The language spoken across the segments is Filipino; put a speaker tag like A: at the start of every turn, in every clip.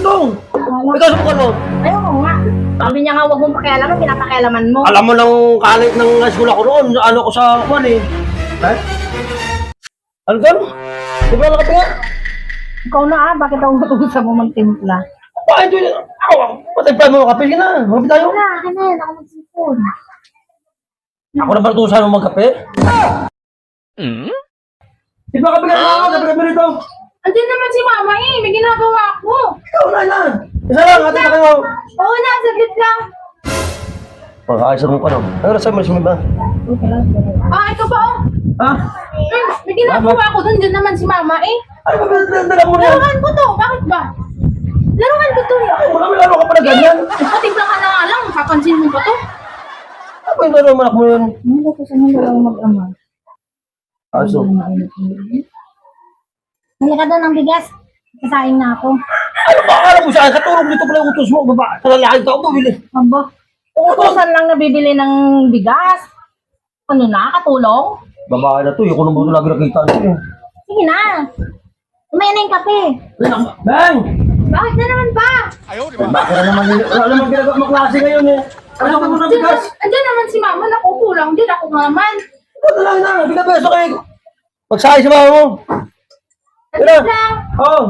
A: rito. Ikaw sa mo.
B: Ayoko nga. Sabi niya nga huwag mong pakialaman, pinapakialaman mo.
A: Alam mo nang kalit ng school ako roon. Ano ko sa kuwan eh. Ha? Ano doon? Di ba nakatinga?
B: Ikaw na bakit ako natutusan mo magtimpla?
A: Bakit yun? Patagpan mo kape na. Mabit tayo.
B: Wala, akin na yan, ako magsipon.
A: Ako na ba natutusan mo magkape? Di ba kape ka na? Kape kami rito.
B: Andiyan naman si mama eh, may ginagawa ako.
A: Ikaw na yan. Isa lang, atin na kayo.
B: Oo na, saglit lang.
A: Pag-aayos mo pa no. Ano na sa'yo mo ba?
B: Ito pa oh.
A: Ha?
B: May ginagawa ako doon, dyan naman si mama eh.
A: Ano ba dala mo na?
B: Laruan ko to, bakit ba? Laruan ko to.
A: Marami laro ka pa na ganyan.
B: Patimpla ka na nga lang, papansin mo pa to.
A: Ano yung laro manak mo yun?
B: Hindi ko sa nang dalawang mag-ama.
A: Aso.
B: Halika doon ng bigas. Kasain na ako.
A: Ano ba? Akala mo saan? Katulog dito pala yung utos mo. Baba, talalaki ka ako bumili.
B: Aba, utusan lang nabibili ng bigas. Ano na, katulong?
A: Babae na to. Yung kuno mo ito lagi nakita niyo.
B: Sige na. Umaya na yung kape.
A: Bang!
B: Bakit na naman ba?
A: Bakit na naman yun? Wala naman ginagawa mo klase ngayon eh. Ano ka muna bigas?
B: Andiyan naman si mama, nakupo lang din ako naman.
A: Ito na lang na. Binabeso kayo. Magsakay sa mama mo.
B: Andiyan lang.
A: Oo.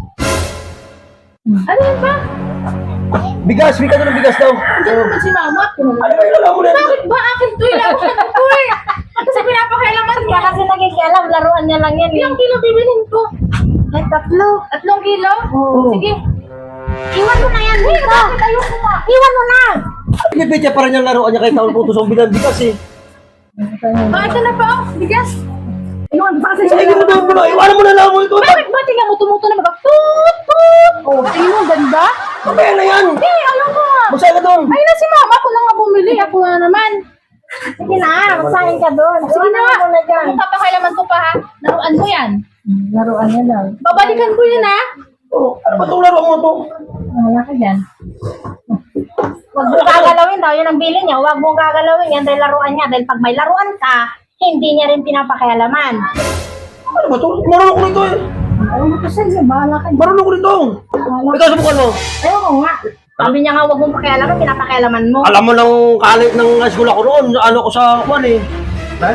B: Ano yun ba?
A: Bigas. Bika na ng bigas daw.
B: Andiyan naman si mama.
A: Ano ba yung lala mo na?
B: Bakit ba akin to? Ilawan ko eh. Kasi pinapakailaman niya. Kasi nakikialam, laruan niya lang yan. Ilang kilo bibilhin ko? Ay, 3. 3 kilo?
A: Oo.
B: Sige. Iwan mo na yan dito. Bakit ayoko nga? Iwan mo na.
A: Pinipitya pa rin yung laruan niya kahit taon putos ang bilang bigas eh.
B: Ito na pa oh, bigas. Iwan mo kasi
A: Sige mo daw mo. Iwanan mo na lang mo ito.
B: Bakit ba? Tingnan mo, tumuto na mag-tut, tut. Oh, tingnan mo, ganda.
A: Mamaya na yan.
B: Hindi, alam ko nga.
A: Magsakay ka doon.
B: Ay na si mama, ako na nga bumili. Ako na naman. Sige na, magsahin ka doon. Sige na, kung papakailaman ko pa ha. Laruan mo yan. Laruan yan lang. Babalikan ko yun ha.
A: Oh, ano ba itong laruan mo to?
B: Wala ka dyan. Huwag mo gagalawin daw, yun ang bili niya. Huwag mo gagalawin yan dahil laruan niya. Dahil pag may laruan ka, hindi niya rin pinapakialaman.
A: Ano ba ito? Marunong ko rito eh.
B: Ayaw mo kasi, bahala ka dyan.
A: Marunong ko rito. Ikaw sa mo.
B: Ayaw ko nga. Sabi niya nga huwag mong pakialaman, pinapakialaman mo.
A: Alam mo nang kalit ng school ako roon. Ano ko sa kuwan eh. Ha?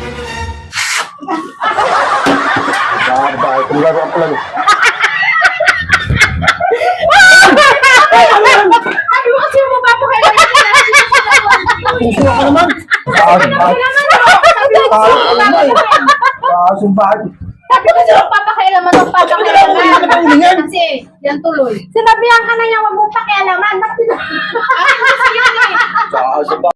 A: Ba, kung laruan ko lang.
B: Sabi mo kasi mo papakialaman ka na.
A: Puso ka naman.
B: Kailangan mo. Sabi mo kasi mo papakialaman.
A: Sumbahan.
B: Sabi ko sila papakialaman ng papakialaman. Kasi, yan tuloy. Sinabihan ka na niya, huwag mong pakialaman. Bakit?